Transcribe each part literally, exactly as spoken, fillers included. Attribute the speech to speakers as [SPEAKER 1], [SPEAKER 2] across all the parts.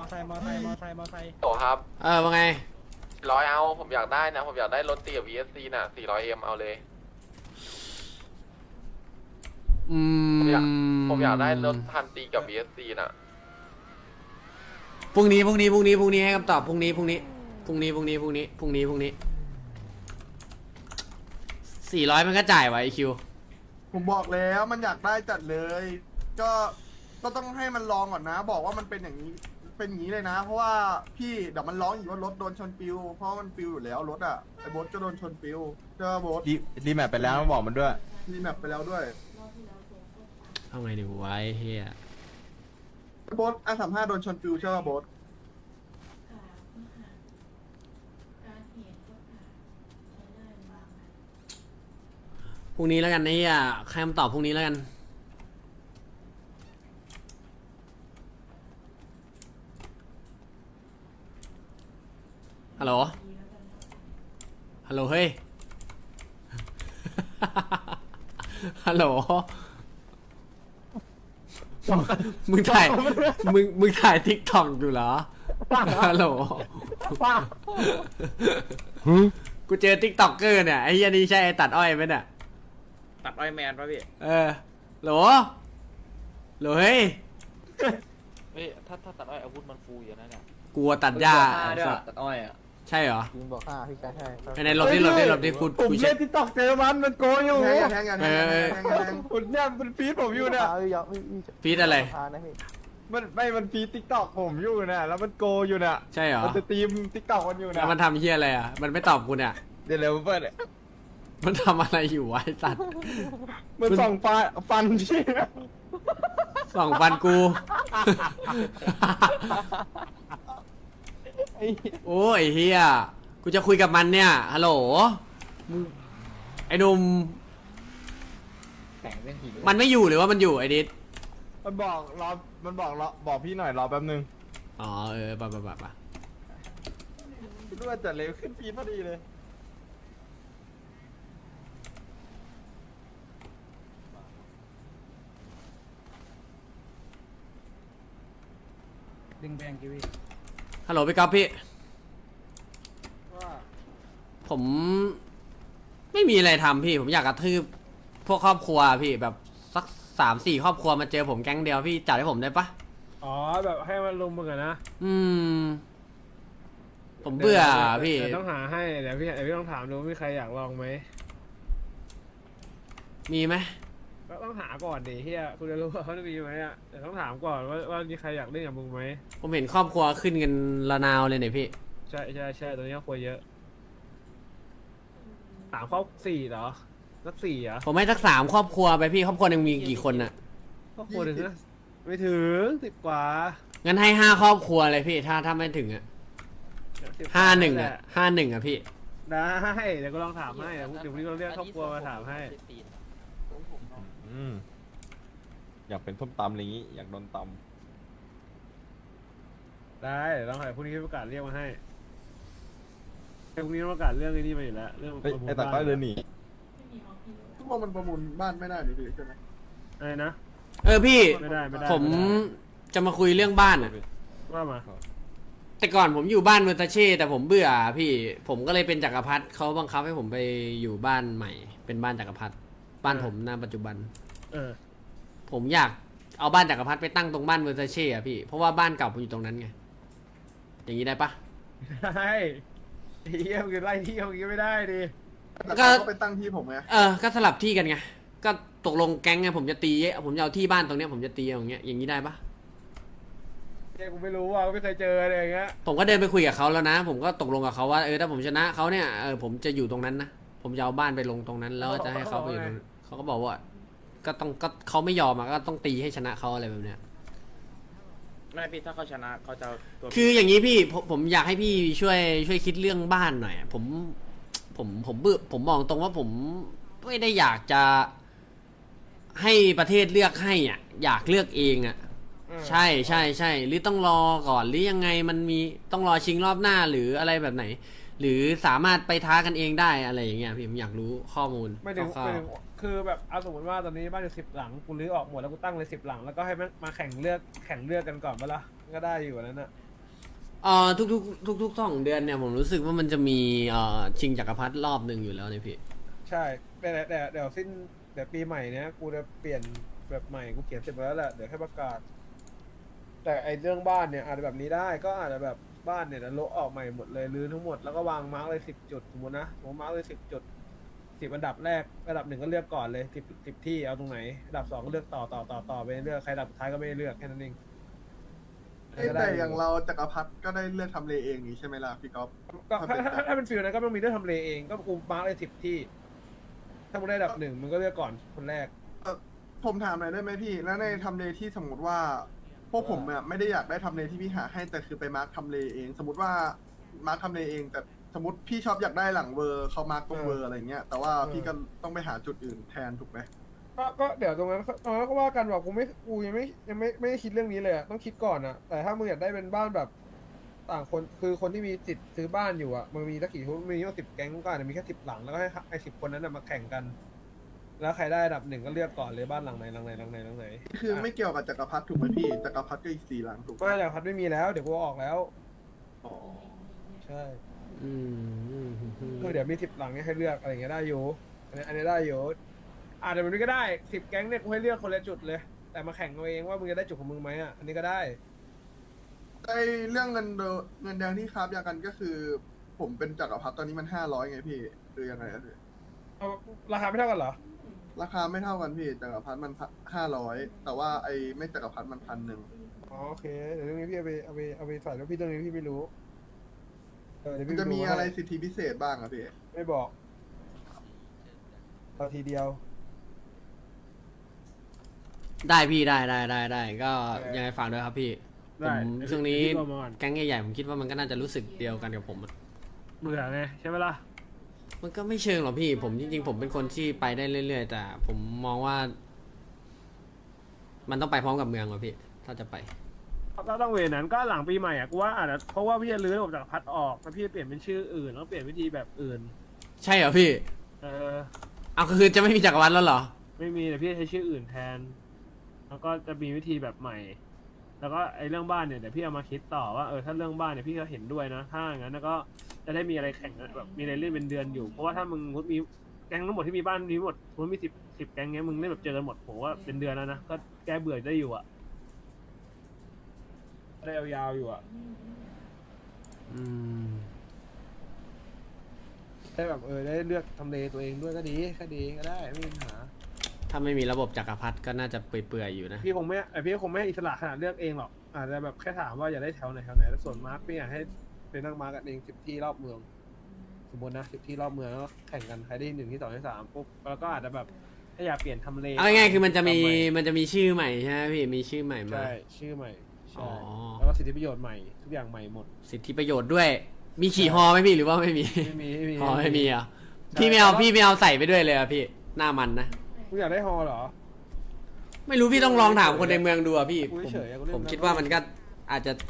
[SPEAKER 1] ไซค์มอไซค์มอไซค์มอไซค์
[SPEAKER 2] โตครับ
[SPEAKER 3] เออว่าไง
[SPEAKER 2] ร้อยเอาผมอยากได้นะผมอยากได้รถตีกับ วี เอส ซี น่ะสี่ร้อยเอ็มเอาเลย
[SPEAKER 3] อืม
[SPEAKER 2] ผมอยากผมอยากได้รถพันตีกับ วี เอส ซี น่ะ
[SPEAKER 3] พรุ่งนี้พรุ่งนี้พรุ่งนี้พรุ่งนี้ให้คำตอบพรุ่งนี้พรุ่งนี้พรุ่งนี้พรุ่งนี้พรุ่งนี้พรุ่งนี้พรุ่งนี้สี่ร้อยมันก็จ่ายไว้ไอคิว
[SPEAKER 4] ผมบอกแล้วมันอยากได้จัดเลย ก็ก็ต้องให้มันลองก่อนนะ บอกว่ามันเป็นอย่างนี้เป็นอย่างนี้เลยนะ เพราะว่าพี่เดี๋ยวมันร้องอีกว่ารถโดนชนปิวเพราะมันปิวอยู่แล้วรถอ่ะไอ้โบ๊ทก็โดนชนปิวเจอโบ๊ท
[SPEAKER 5] รีรีแมปไปแล้วบอกมันด้วย
[SPEAKER 4] มีแมปไปแล้วด้วย
[SPEAKER 3] เอาไงดีไว้เฮีย
[SPEAKER 4] โบ๊ทอาสามห้าโดนชนปิวใช่ป่ะโบ๊ท
[SPEAKER 3] พรุ่งนี้แล้วกันไอ้เฮียใครคำตอบพรุ่งนี้แล้วกันฮัลโหลฮัลโหลเฮ้ย ฮัลโหลมึงถ่ายมึงมึงถ่ายทิกตอกอยู่เหรอฮัลโหลกูเจอทิกตอกเกอร์เนี่ยไอ้เหี้ยนี่ใช่ไอ้ตัดอ้อยไหมเนี่ย
[SPEAKER 1] ตัดอ้อยแมนป่ะพี่
[SPEAKER 3] เออโหลโหลเฮ้ย
[SPEAKER 6] เฮ้ยถ้าถ้าตัดอ้อยอาวุธมันฟูอยู่นะเนี่ย
[SPEAKER 3] กลัวตัดหญ้า
[SPEAKER 6] ตัดอ้อยอ่ะ
[SPEAKER 3] ใช่เหรอ
[SPEAKER 6] ยิงบอกห้าพี่ชายใช่
[SPEAKER 3] ไปในหลบที่หลบที่หลบที่กู
[SPEAKER 5] ผม
[SPEAKER 3] กู
[SPEAKER 5] เล่
[SPEAKER 3] เช็คน
[SPEAKER 5] ติ๊กต็อกเจอมันมันโกงอยู่
[SPEAKER 4] แทงอย่าแทงอย่าแทงอย่าแทงอย่าแทงอย่าแทง
[SPEAKER 5] คุณเนี่ยมันฟีดผมอยู่เนี่ย
[SPEAKER 3] ฟีดอะไร
[SPEAKER 5] มันไม่มันฟีดติ๊กต็อกผมอยู่เนี่ยแล้วมันโกงอยู่เนี่ย
[SPEAKER 3] ใช่เหรอ
[SPEAKER 5] มันจะตีมติ๊กต็อกมันอยู่
[SPEAKER 3] แล้
[SPEAKER 5] เนี่ยว
[SPEAKER 3] มันทำเฮียอะไรอ่ะมันไม่ตอบกูเนี่ย
[SPEAKER 5] เดี๋ยวเร็วเปิด
[SPEAKER 3] มันทำอะไรอยู่วะไอ้สัตว์
[SPEAKER 5] มันส่องฟันฟันที่
[SPEAKER 3] ส่องฟันกู โอ้ยเฮียกูจะคุยกับมันเนี่ยฮัลโหลมึงไอ้หนุ่ม
[SPEAKER 6] แข่งเรื่องผี
[SPEAKER 3] มันไม่อยู่หรือว่ามันอยู่ไอ้ดิส
[SPEAKER 5] มันบอกรอมันบอกรอบอกพี่หน่อยรอแป๊บนึง
[SPEAKER 3] อ๋อเออปะปะปะปะ
[SPEAKER 5] คิดว่าจะเร็วขึ้นฟีดพอดีเลย
[SPEAKER 1] ดึงแบงกิวี
[SPEAKER 3] ฮัลโหลพี่ก๊อฟพี่
[SPEAKER 4] ว่า
[SPEAKER 3] ผมไม่มีอะไรทำพี่ ผมอยากกระทืบพวกครอบครัวพี่แบบสักสามสี่ครอบครัวมาเจอผมแก๊งเดียวพี่จัดให้ผมได้ปะ
[SPEAKER 1] อ๋อแบบให้มันลุมมึงอะนะ
[SPEAKER 3] อืม ผมเบื่อพี่
[SPEAKER 1] เดี๋ยวต้องหาให้เดี๋ยวพี่เดี๋ยวพี่ต้องถามดูว่ามีใครอยากลองไหม
[SPEAKER 3] มีไหม
[SPEAKER 1] ก็ต้องหาก่อนดิเฮียคุณจะรู้ว่าเขาจะมีไหมอ่ะเดี๋ยวต้องถามก่อนว่าว่ามีใครอยากเล่นกับมึงไหม
[SPEAKER 3] ผมเห็นครอบครัวขึ้นกันระนาวเลยเนี่ยพี่
[SPEAKER 1] ใช่ใช่ใช่ตอนนี้ครอบครัวเยอะสามครอบสี่เหรอสักสี่เหรอ
[SPEAKER 3] ผมให้สักสามครอบครัวไปพี่ครอบครัวหนึงมีกี่คนน่ะ
[SPEAKER 1] ครอบครัวหนึ่งนะไม่ถึงสิบกว่า
[SPEAKER 3] งั้นให้ห้าครอบครัวเลยพี่ถ้าถ้าไม่ถึงอ่ะ
[SPEAKER 1] สิบกว่
[SPEAKER 3] ห้าหนึ่ง
[SPEAKER 1] แห
[SPEAKER 3] อ่ะ
[SPEAKER 1] ละ
[SPEAKER 3] ห้าหนึ่งอ่ะพี่
[SPEAKER 1] ได้เดี๋ยวก็ลองถามให้เดี๋ยวเดี๋ยวพรุ่งนี้เราเรียกครอบครัวมาถามให้
[SPEAKER 5] อืมอยากเป็นส้มตำอะไรอย่างงี้อยากโดนต
[SPEAKER 1] ได้เดี๋ยวลองหาพรุ่งนี้ประกาศเรียกมาให้พรุ่งนี้ประกาศเรื่องไอ้นี่มาอยู่แล้วเรื่อง
[SPEAKER 5] ำเฮ้ย
[SPEAKER 1] ประมูล
[SPEAKER 5] ไอ้ตาก้อยเดินหนี
[SPEAKER 4] ทุกคนมันประมูลบ้านไม่ได้หรือใช่ไหม
[SPEAKER 1] อะไรนะ
[SPEAKER 3] เออพี่
[SPEAKER 1] ไม่ได้ไม่ได้
[SPEAKER 3] ผม
[SPEAKER 1] ไได้
[SPEAKER 3] จะมาคุยเรื่องบ้านอ่ะ
[SPEAKER 1] ว่ามา
[SPEAKER 3] แต่ก่อนผมอยู่บ้านเวอร์ตาเช่แต่ผมเบื่อพี่ ผมก็เลยเป็นจักรพรรดิเขาบังคับให้ผมไปอยู่บ้านใหม่ เป็นบ้านจักรพรรดิบ้านผมณปัจจุบัน
[SPEAKER 1] เออ
[SPEAKER 3] ผมอยากเอาบ้านจักรพรรดิไปตั้งตรงบ้านเวอร์ตาเช่อะพี่เพราะว่าบ้านเก่าผมอยู่ตรงนั้นไงอย่างนี้ได้ปะ
[SPEAKER 1] ได้เที่ยวคือไล่เที่ยวอย่างงี้ไม่ได้ดิ
[SPEAKER 4] แต่เขาไปตั้งที่ผมไง
[SPEAKER 3] เออก็สลับที่กันไงก็ตกลงแก๊งไงผมจะตีผมจะเอาที่บ้านตรงเนี้ยผมจะตีอย่างเงี้ยอย่างนี้ได้ปะ
[SPEAKER 1] เนี่ยกูไม่รู้ว่ากูไม่เคยเจออะไรอย่างเงี้ย
[SPEAKER 3] ผมก็เดินไปคุยกับเขาแล้วนะ ผมก็ตกลงกับเขาว่าเออถ้าผมชนะเขาเนี่ยเออผมจะอยู่ตรงนั้นนะผมจะเอาบ้านไปลงตรงนั้น แล้วก็จะให้เขาไปอยู่ตรงนั้นเขาก็บอกว่า ก็ต้องก็เขาไม่ยอมอะก็ต้องตีให้ชนะเขาอะไรแบบเนี้ย
[SPEAKER 6] ไม่พี่ถ้าเขาชนะเขาจะเอาตัว
[SPEAKER 3] คืออย่างนี้พี่ผมผมอยากให้พี่ช่วยช่วยคิดเรื่องบ้านหน่อยอะผมผมผมเบื่อผมมองตรงว่าผมไม่ได้อยากจะให้ประเทศเลือกให้อ่ะอยากเลือกเองอ่ะใช่ใช่ใช่หรือต้องรอก่อนหรือยังไงมันมีต้องรอชิงรอบหน้าหรืออะไรแบบไหน หรือสามารถไปท้ากันเองได้อะไรอย่างเงี้ยพี่ผมอยากรู้ข้อมูล
[SPEAKER 1] ไม่ถึง
[SPEAKER 3] คร่า
[SPEAKER 1] ไม่
[SPEAKER 3] ว
[SPEAKER 1] ถึงคือแบบเอาสมมติว่าตอนนี้บ้านอยู่สิบหลังกูรื้อออกหมดแล้วกูตั้งเลยสิบหลังแล้วก็ให้มันมาแข่งเลือกแข่งเลือกกันก่อนปะล่ะก็ได้อยู่นั้นน่ะ
[SPEAKER 3] ๆเอ่อทุกๆทุกๆสองเดือนเนี่ยผมรู้สึกว่ามันจะมีเอ่อชิงจักรพรรดิรอบหนึ่งอยู่แล้วเนี่ยพี่
[SPEAKER 1] ใช่แต่แต่แต่เดี๋ยวสิ้นเดี๋ยวปีใหม่เนี้ยกูจะเปลี่ยนแบบใหม่กูเขียนเสร็จไปแล้วแหละเดี๋ยวแค่ประกาศ แต่ไอเรื่องบ้านเนี่ยอาจจะแบบนี้ได้ก็อาจจะแบบบ้านเนี่ยจะโละออกใหม่หมดเลยรื้อทั้งหมดแล้วก็วางมาร์กเลยสิบจุดสมมตินะผมมาร์กเลยสิบจุดสิบอันดับแรกอันดับหนึ่งก็เลือกก่อนเลยสิบสิบที่เอาตรงไหนอันดับสองก็เลือกต่อต่อต่อต่อไปเรื่อยใครอันดับสุดท้ายก็ไม่ได้เลือกแค่นั้นเอง
[SPEAKER 4] เอ้ยแต่อย่างเราจักรพรรดิก็ได้เลือกทำเลเองนี่ใช่ไหมล่ะพี่ก๊อฟ
[SPEAKER 1] ก็ถ้าถ้าถ้าเป็นฟิลนั้นก็ต้องมีเรื่องทำเลเองก็กูมาร์กเลยสิบที่ ถ้ามึงได้อันดับหนึ่งมึงก็เลือกก่อนคนแรก
[SPEAKER 4] เอ่อผมถามหน่อยได้ไหมพี่ แล้วในทำเลที่สมมติว่า พวกผมอะไม่ได้อยากได้ทำเลที่พี่หาให้แต่คือไปมาร์คทำเลเอง สมมติว่ามาร์คทำเลเองแต่สมมติพี่ชอบอยากได้หลังเวอร์เขามาร์คตรงเวอร์อะไรเงี้ยแต่ว่าพี่ก็ต้องไปหาจุดอื่นแทนถูกไหม
[SPEAKER 1] ก็ก็เดี๋ยวตรงนั้นตรงนั้นก็ว่ากันบอกกูไม่กูยังไม่ยังไม่ไม่ได้คิดเรื่องนี้เลยอะต้องคิดก่อนอะแต่ถ้ามึงอยากได้เป็นบ้านแบบต่างคนคือคนที่มีสิทธิ์ซื้อบ้านอยู่อะมึงมีสักกี่ทุนมีตั้งสิบแก๊งก็อาจจะมีแค่สิบหลังแล้วก็ให้ไอ้สิบคนนั้นนะมาแข่งกัน แล้วใครได้อันดับหนึ่งก็เลือกก่อนเลยบ้านหลังไหนหลังไหนหลังไหนหลังไหน
[SPEAKER 4] คือไม่เกี่ยวกับจักรพรรดิถูกไหมพี่จักรพรรดิก็อีกสี่หลังถูกไหม
[SPEAKER 1] ไม่แต่พัดไม่มีแล้วเดี๋ยวกูเอาออกแล้ว
[SPEAKER 4] อ๋อ
[SPEAKER 1] ใช่
[SPEAKER 3] อืม
[SPEAKER 1] คือเดี๋ยวมีสิบหลังเนี่ยให้เลือกอะไรอย่างเงี้ยได้อยู่อันนี้อันนี้ได้อยู่อาจจะแบบนี้ก็ได้สิบแก๊งเนี่ยกูให้เลือกคนละจุดเลย แต่มาแข่งเอาเองว่ามึงจะได้จุดของมึงไหมอ่ะอันนี้ก็ได้
[SPEAKER 4] ไอเรื่องเงินเดเงินแดงที่คราบยากันก็คือ ผมเป็นจักรพรรดิตอนนี้มันห้าร้อยไงพี่คือยังไงอะพี่
[SPEAKER 1] เอาราคาไม่เท่ากันเหรอ
[SPEAKER 4] ราคาไม่เท่ากันพี่จักรพรรดิมันห้าร้อยแต่ว่าไอไม่จักรพรรดิมันพันหนึ่ง
[SPEAKER 1] อ๋อโอเคเดี๋ยวเรื่องนี้พี่เอาไปเอาไปเอาไปใส่แล้วพี่เรื่องนี้พี่ไม่รู้เออเดี๋ยว
[SPEAKER 4] มัน
[SPEAKER 1] พี่
[SPEAKER 4] จะมี
[SPEAKER 1] ดูให้
[SPEAKER 4] อะไรสิทธิพิเศษบ้างอะพี่
[SPEAKER 1] ไม่บอกเอาทีเดียว
[SPEAKER 3] ได้พี่ได้ได้ได้ได้ก็
[SPEAKER 1] เออ
[SPEAKER 3] ยังไงฝากด้วยครับพี่ผ
[SPEAKER 1] ได้
[SPEAKER 3] ม
[SPEAKER 1] เดี๋ยว
[SPEAKER 3] ช่วงนี้
[SPEAKER 1] พี่รวมมาก่อน
[SPEAKER 3] แก๊งใหญ่ๆผมคิดว่ามันก็น่าจะรู้สึกเดียวกันกับผมอะ
[SPEAKER 1] เบื่อไงใช่ไหมล่ะ
[SPEAKER 3] มันก็ไม่เชิงหรอกพี่ ผมจริงๆ ผมเป็นคนที่ไปได้เรื่อยๆ แต่ผมมองว่า มันต้องไปพร้อมกับเมืองว่ะพี่ ถ้าจะไป
[SPEAKER 1] ก็ต้องเวนั้นก็หลังปีใหม่อ่ะกูว่าอาจจะเพราะว่าพี่จะรื้อระบบจักรพรรดิออกแล้วพี่จะเปลี่ยนเป็นชื่ออื่นแล้วเปลี่ยนวิธีแบบอื่น
[SPEAKER 3] ใช่เหรอพี่
[SPEAKER 1] เออ
[SPEAKER 3] เอาคือจะไม่มีจักรวรรดิแล้วเหรอ
[SPEAKER 1] ไม่มีแต่พี่ใช้ชื่ออื่นแทน แล้วก็จะมีวิธีแบบใหม่ แล้วก็ไอ้เรื่องบ้านเนี่ยเดี๋ยวพี่เอามาคิดต่อว่าเออถ้าเรื่องบ้านเนี่ยพี่ก็เห็นด้วยนะถ้าอย่างนั้นก็จะได้มีอะไรแข่งกันแบบมีอะไรเล่นเป็นเดือนอยู่เพราะว่าถ้ามึงมีแก๊งทั้งหมดที่มีบ้านมีหมดมันมีสิบสิบแก๊งเงี้ยมึงเล่นแบบเจอกันหมดผมว่าเป็นเดือนแล้วนะก็แก้เบื่อได้อยู่อ่ะได้ยาวๆอยู่อ่ะ
[SPEAKER 3] อืม
[SPEAKER 1] ได้แบบเออได้เลือกทำเลตัวเองด้วยก็ดีก็ดีก็ได้ไม่มีปัญหา
[SPEAKER 3] ถ้าไม่มีระบบจักรพรรดิก็น่าจะเปื่อยๆอยู่นะ
[SPEAKER 1] พี่คงไม่ไอพี่คงไม่อิสระขนาดเลือกเองหรอกอาจจะแบบแค่ถามว่าอยากได้แถวไหนแถวไหนแล้วส่วนมาร์กพี่อยากให้เป็นนั่งมาร์กกันเองสิบที่รอบเมือง สมมตินะสิบที่รอบเมืองแล้วก็แข่งกันใครได้หนึ่งที่สองที่สามปุ๊บแล้วก็อาจจะแบบถ้าอยากเปลี่ยนทำเล
[SPEAKER 3] เอาง่ายๆคือมันจะมี
[SPEAKER 1] ทำให
[SPEAKER 3] มันจะมีชื่อใหม่ใช่ไหมพี่ มีชื่อใหม่มา
[SPEAKER 1] ใช่ชื่อใหม่
[SPEAKER 3] อ๋
[SPEAKER 1] ใช่
[SPEAKER 3] อ
[SPEAKER 1] แล้วก็สิทธิประโยชน์ใหม่ทุกอย่างใหม่หมด
[SPEAKER 3] สิทธิประโยชน์ด้วย มีขี่ฮอไหมพี่หรือว่าไม่มี
[SPEAKER 1] ไม่มีไม่มี
[SPEAKER 3] ฮอไม่มีเหรอ่ะ
[SPEAKER 1] ใช่
[SPEAKER 3] พี่ไม่เอา
[SPEAKER 1] แต่ว่า
[SPEAKER 3] พี่ไม่เอาใส่ไปด้วยเลยอ่ะพี่ หน้ามันนะ
[SPEAKER 1] คุณอยากได้ฮอเหรอ
[SPEAKER 3] ไม่รู้พี่ต้องลองถามคนในเมืองดูอ่ะพี่
[SPEAKER 1] กู
[SPEAKER 3] ผม
[SPEAKER 1] เฉยๆอะกูเล่น
[SPEAKER 3] ผม
[SPEAKER 1] นะ
[SPEAKER 3] คิดว่ามันก็อาจจะ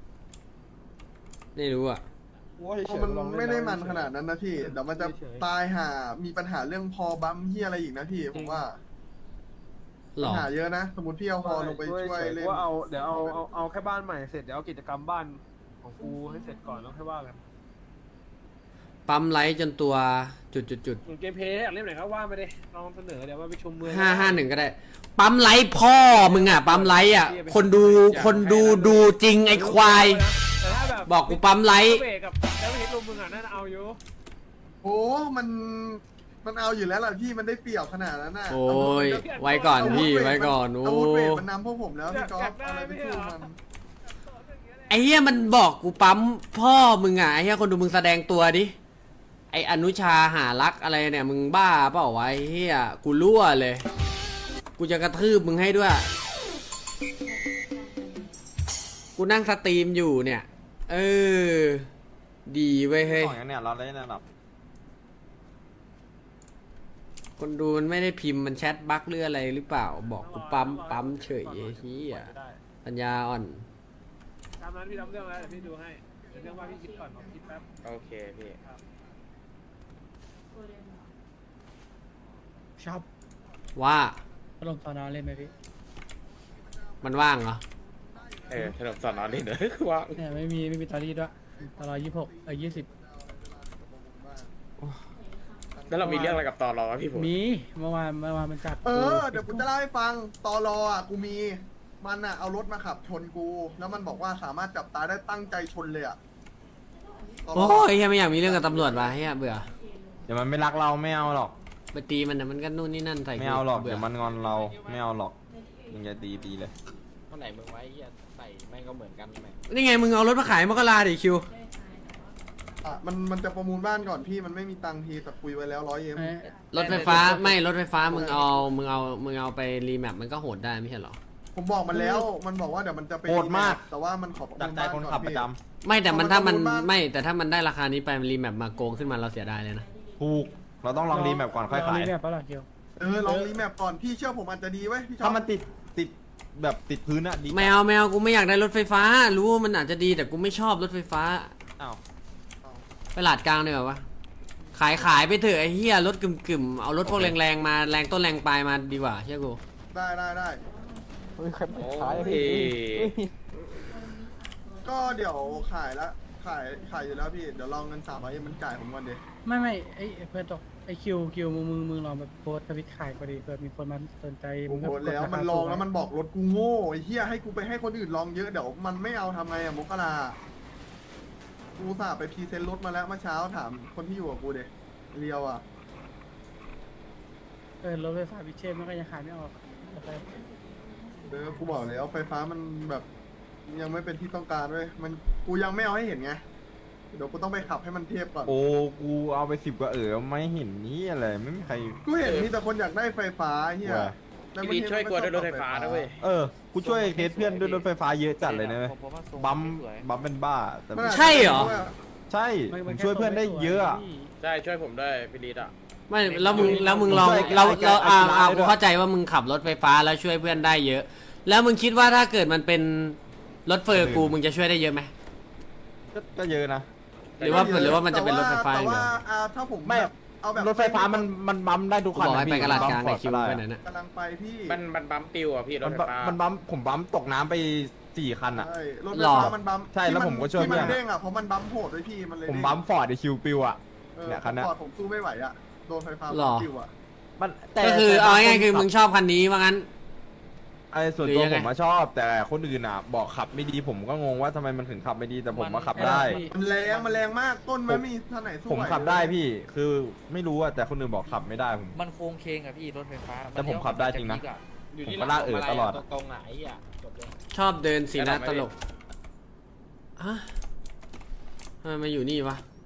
[SPEAKER 3] ไม่รู้อ่ะ
[SPEAKER 1] กูว่าเฉยๆ
[SPEAKER 4] มัน
[SPEAKER 1] ลองเล่
[SPEAKER 4] ไม่ได้
[SPEAKER 1] แล้ว
[SPEAKER 4] มันขนาดนั้นนะพี่เดี๋ยวมันจะ
[SPEAKER 1] เฉย
[SPEAKER 4] ตายหามีปัญหาเรื่องพอบัมที่อะไรอีกนะพี่ผมว่า
[SPEAKER 3] หร
[SPEAKER 4] ปัญ
[SPEAKER 3] อ
[SPEAKER 4] หาเยอะนะ สมมติพี่เอาฮอลงไปช่วยเล่น
[SPEAKER 1] ว่าเอาเดี๋ยวเอาเอาเอาแค่บ้านใหม่เสร็จเดี๋ยวเอากิจกรรมบ้านของกูให้เสร็จก่อนแล้วค่อยว่ากัน
[SPEAKER 3] ปั๊มไลท์จนตัวจุดจุดจุด
[SPEAKER 1] เกมเพลย์อยากเล่นไหนก็ว่าไปดิลองเสนอเดี๋ยวว่าไปชมเมือง
[SPEAKER 3] ห้าห้าหนึ่งก็ได้ ปั๊มไลท์พ่อมึงอ่ะ ปั๊มไลท์อ่ะ คนดูคนดูดูจริงไอ้ควาย
[SPEAKER 1] แต่ถ้าแบบ
[SPEAKER 3] บอกกูปั๊มไลท์
[SPEAKER 1] เบรกกับแล้วเห็นลมมึงอ่ะน่าจะเอาอยู่
[SPEAKER 4] โอ้มันมันเอาอยู่แล้วล่ะพี่มันได้เปรียบขนาดนั้นน่ะ
[SPEAKER 3] โอ้ย ไว้ก่อนพี่ไว้ก่อนโอ้
[SPEAKER 4] อาวุธเวทมันนำพวกผมแล้วพี่ก๊อฟเอาอะไรไปสู้มัน
[SPEAKER 3] ไอ้เหี้ยมันบอกกูปั๊มพ่อมึงอ่ะไอ้เหี้ยคนดูมึงแสดงตัวดิ ไอ้อนุชาหารักอะไรเนี่ยมึงบ้าเปล่าวะไอ้เหี้ยกูรั่วเลย กูจะกระทืบมึงให้ด้วย กูนั่งสตรีมอยู่เนี่ย เออ ดีเว้ยเฮ้ย
[SPEAKER 5] ของอย่างเนี้ยเราได้ระดับ
[SPEAKER 3] คนดูมันไม่ได้พิมพ์มันแชทบั๊กหรืออะไรหรือเปล่า บอกกูปั๊มปั๊มเฉยไอ้เหี้ยปัญญาอ่อน
[SPEAKER 1] ตามนั้นพี่ทำเรื่องแล้วเดี๋ยวพี่ดูให้เดี๋ยวเรื่องว่าพี่คิดก่อนผมคิดแป๊บ
[SPEAKER 6] โอเคพี่
[SPEAKER 7] ชอบ
[SPEAKER 3] ว่า
[SPEAKER 7] ลงตอนนอนเล่นไหมพี่
[SPEAKER 3] มันว่างเหรอ
[SPEAKER 7] เออถนนสอนนอนนี่เนอะคือว่า
[SPEAKER 8] เนี่ยไม่มีไม่มีตอรี่ด้วยตลอยี่สิบหกเออยี่สิบ
[SPEAKER 7] แล้วเรามีเรื่องอะไรกับตอรอวะพี่ผม
[SPEAKER 8] มีเมื่อวานเมื่อวานมันจับ
[SPEAKER 4] เออเดี๋ยวกูจะเล่าให้ฟังตอรออ่ะกูมีมันอ่ะเอารถมาขับชนกู แล้วมันบอกว่าสามารถจับตายได้ตั้งใจชนเลยอ่ะตร
[SPEAKER 3] โอ้ยเฮียไม่อยากมีเรื่องกับตำรวจว่ะเฮียเบื่อ
[SPEAKER 5] เดี๋ยวมันไม่รักเราไม่เอาหรอก
[SPEAKER 3] ไปตีมันนะมันก็นู่นนี่นั่นใส่
[SPEAKER 5] ไม่เอาหรอก
[SPEAKER 3] เบื่
[SPEAKER 5] เดี๋ยวมันงอนเราไม่เอาหรอกมึงจะตีตีเลย
[SPEAKER 6] เท่าไหนมึงไว้เฮียใส่แม่งก็เหมือนกันแม่ง
[SPEAKER 3] นี่ไงมึงเอารถมาขายมกราดิคิว
[SPEAKER 4] อ่ะมันมันจะประมูลบ้านก่อนพี่มันไม่มีตังค์ทีแต่คุยไว้แล้วร้อยเอ็ม
[SPEAKER 8] เอ้ย
[SPEAKER 3] รถไฟฟ้าไม่รถไฟฟ้ามึงเอามึงเอามึงเอาไปรีแมปมันก็โหดได้ไม่ใช่เหรอ
[SPEAKER 4] ผมบอกมันแล้วมันบอกว่าเดี๋ยวมันจะไป
[SPEAKER 5] โหดมาก
[SPEAKER 4] แต่ว่ามันขอประ
[SPEAKER 5] จาก
[SPEAKER 4] มูล
[SPEAKER 5] ใจ
[SPEAKER 4] บ้าน
[SPEAKER 5] คน
[SPEAKER 4] ก่อน
[SPEAKER 5] ขับประ
[SPEAKER 4] พี่
[SPEAKER 5] จ
[SPEAKER 3] ไม่แต่มัน
[SPEAKER 4] เอามา
[SPEAKER 3] ถ้ามัน
[SPEAKER 4] ประมูลบ้าน
[SPEAKER 3] ไม่แต่ถ้ามันได้ราคานี้ไปมันรีแมปมาโกงขึ้นมาเราเสียดายเลยนะ
[SPEAKER 5] ำถูกเราต้องลองรีแมปก่อนค่อย
[SPEAKER 8] ลง
[SPEAKER 5] ขาย
[SPEAKER 8] รีแมปปะล่ะเกียว
[SPEAKER 4] เออลองรีแมปก่อนพี่เชื่อผมอาจจะดีเว้ยพี่ชอบ
[SPEAKER 5] ถ้ามันติดติดแบบติดพื้นอะดี
[SPEAKER 3] ไม่เอาไม่เอากูไม่อยากได้รถไฟฟ้า รู้ว่ามันอาจจะดีแต่กูไม่ชอบรถไฟฟ้า
[SPEAKER 5] อ้าว
[SPEAKER 3] ไปลาดกลางเลยเหรอวะขายขายไปเถอะไอ้เหี้ยรถกึ่มกึ่มๆเอารถพวกแรงๆมาแรงต้นแรงปลายมาดีกว่าเชื่อกู
[SPEAKER 4] ได้ได้ได้
[SPEAKER 7] โอ้ย
[SPEAKER 4] ก็เดี๋ยวขายละขายขายอยู่แล้วพี่เดี๋ยวลองเงินสามร้อยเอ็มมันจ่ายผมก่อนดิ
[SPEAKER 8] ไม่ไม่ไอ้เพื่อนตกไอ้คิวคิวมึงมึงมึงลองแบบโพสต์ทวิตขายก็ดีเผื่อมีคนมาสนใจ
[SPEAKER 4] โอ้โห
[SPEAKER 8] ก็กด
[SPEAKER 4] แล้ว
[SPEAKER 8] ราคา
[SPEAKER 4] มันลอง
[SPEAKER 8] สู
[SPEAKER 4] แล้วมันบอกรถกูโง่ไอ้เหี้ยให้กูไปให้คนอื่นลองเยอะเดี๋ยวมันไม่เอาทำไงอะมกรากูสาไปพรีเซนต์รถมาแล้วเมื่อเช้าถามคนที่อยู่กับกูเด็กเรียวอ่ะ
[SPEAKER 8] เออรถไฟฟ้าพิเชษมันก็ยังขายไม่ออกแต่ไป
[SPEAKER 4] เออกูบอกแล้วไฟฟ้ามันแบบยังไม่เป็นที่ต้องการเว้ยมันกูยังไม่เอาให้เห็นไงเดี๋ยวกูต้องไปขับให้มันเทียบก่อน
[SPEAKER 5] โอ้กูเอาไปสิบกว่าเออไม่เห็นนี่อะไรไม่มีใคร
[SPEAKER 4] กูเห็นมีแต่คนอยากได้ไฟฟ้าเฮีย
[SPEAKER 5] ว่ะ
[SPEAKER 4] แต่
[SPEAKER 7] พี่
[SPEAKER 4] บาง
[SPEAKER 7] ดี
[SPEAKER 4] ที
[SPEAKER 7] ช่วยกลัวด้วยรถไฟฟ้านะเว้ย
[SPEAKER 5] เออกูช่วยเคสเพื่อนด้วยรถไฟฟ้าเยอะจัดเลยนะเว้ย
[SPEAKER 6] ผมว่าทรง
[SPEAKER 5] บัม
[SPEAKER 6] สวย
[SPEAKER 5] บัมเป็นบ้าแต่
[SPEAKER 4] มันอาจจะ
[SPEAKER 3] ใช่เหรอ
[SPEAKER 5] ใช่
[SPEAKER 8] มัน
[SPEAKER 5] ผ
[SPEAKER 8] มัน
[SPEAKER 5] ม
[SPEAKER 8] แค่
[SPEAKER 5] ช่วยเพื่อนได้เยอะอะ
[SPEAKER 8] พี่
[SPEAKER 7] ใช่ช่วยผมด้วยพี่ดีอ่ะ
[SPEAKER 3] ไม่แล้วมึงแล้วมึงลอง
[SPEAKER 5] ช่วย
[SPEAKER 3] เรา
[SPEAKER 5] ไกลๆ
[SPEAKER 3] เราอ่า
[SPEAKER 5] ไกลๆ
[SPEAKER 3] อ่า
[SPEAKER 5] ได้ด้วย
[SPEAKER 3] กูเข้าใจว่ามึงขับรถไฟฟ้าแล้วช่วยเพื่อนได้เยอะ แล้วมึงคิดว่าถ้าเกิดมันเป็นรถเฟอร์กูมึงจะช่วยได้เยอะไหม
[SPEAKER 5] ก็ก็เยอะนะ
[SPEAKER 3] หรือว่าหรือว่ามันจะเป็นรถไฟฟ้าอ
[SPEAKER 4] แต่
[SPEAKER 3] ย่างเดี
[SPEAKER 4] ว่า
[SPEAKER 3] ยว
[SPEAKER 4] อ่าถ้าผม
[SPEAKER 5] ไม่
[SPEAKER 4] แบบเอาแบบ
[SPEAKER 5] รถไฟฟ้ามันมันบัมได้ทุก
[SPEAKER 3] กู
[SPEAKER 5] คัน
[SPEAKER 3] บอกให้
[SPEAKER 5] นะ
[SPEAKER 3] ไป
[SPEAKER 5] พี่
[SPEAKER 3] กระลาดกลาง
[SPEAKER 5] บั
[SPEAKER 3] ไอ้
[SPEAKER 5] ม
[SPEAKER 3] คิว
[SPEAKER 5] ฟอร์ด
[SPEAKER 3] ไป
[SPEAKER 5] ก็
[SPEAKER 3] ไหน
[SPEAKER 5] ด้
[SPEAKER 3] นะ
[SPEAKER 4] กำลังไปพี่
[SPEAKER 7] มันมันบัมปิวอ่ะพี่รถ
[SPEAKER 5] มัน
[SPEAKER 7] ไฟ
[SPEAKER 5] บัม
[SPEAKER 7] ฟ้า
[SPEAKER 5] มันบัมผมบัมตกน้ำไปสี่คันอะ
[SPEAKER 4] ใช่รถไฟ
[SPEAKER 3] หรอ
[SPEAKER 4] ฟ้ามันบัม
[SPEAKER 5] ใช่แล้วผมก็ช่วย
[SPEAKER 4] ที่มัน
[SPEAKER 5] เพื่อน
[SPEAKER 4] เด้งอ่ะเพราะมันบัมโหดด้วยพี่มันเลย
[SPEAKER 5] ผม
[SPEAKER 4] เด้ง
[SPEAKER 5] บัมฟอร์ดไอคิวปิวอะ
[SPEAKER 4] เออ
[SPEAKER 5] เนี่ยคันเนี้ย
[SPEAKER 4] ฟอร์ดผมสู้ไม่ไหวอ่ะโดนไฟฟ้า
[SPEAKER 3] หรอ
[SPEAKER 4] ปิวอ่ะ
[SPEAKER 5] มันแต่
[SPEAKER 3] ก็คือ
[SPEAKER 5] แต่
[SPEAKER 3] เอาง่ายๆคือ
[SPEAKER 5] ขับ
[SPEAKER 3] มึงชอบคันนี้ว่างั้น
[SPEAKER 5] ไอ้ส่วน
[SPEAKER 3] หรือ
[SPEAKER 5] ตัว
[SPEAKER 3] ยังไง
[SPEAKER 5] ผมมาชอบ แต่คนอื่นอ่ะ บอกขับไม่ดีผมก็งงว่าทำไมมันถึงขับไม่ดีแต่ผมมาขับได้
[SPEAKER 4] มันแรงมันแรงมากต้นมันไม่มีท่าไหนสู้
[SPEAKER 5] ผม
[SPEAKER 4] ไหว
[SPEAKER 5] ขับได้พี่คือไม่รู้อะแต่คนอื่นบอกขับไม่ได้ผม
[SPEAKER 6] มันโค้งเคงอะพี่รถไฟฟ้า
[SPEAKER 5] แต่ผมขับได้จริงนะ
[SPEAKER 6] อยู่
[SPEAKER 5] ผม
[SPEAKER 6] ที่
[SPEAKER 5] ก็ลากเอ๋อตลอด
[SPEAKER 6] ตรงๆอะไอ้เหี้ยจบเลย
[SPEAKER 3] ชอบเดินสีหน้าตลกฮะทำไมมาอยู่นี่วะ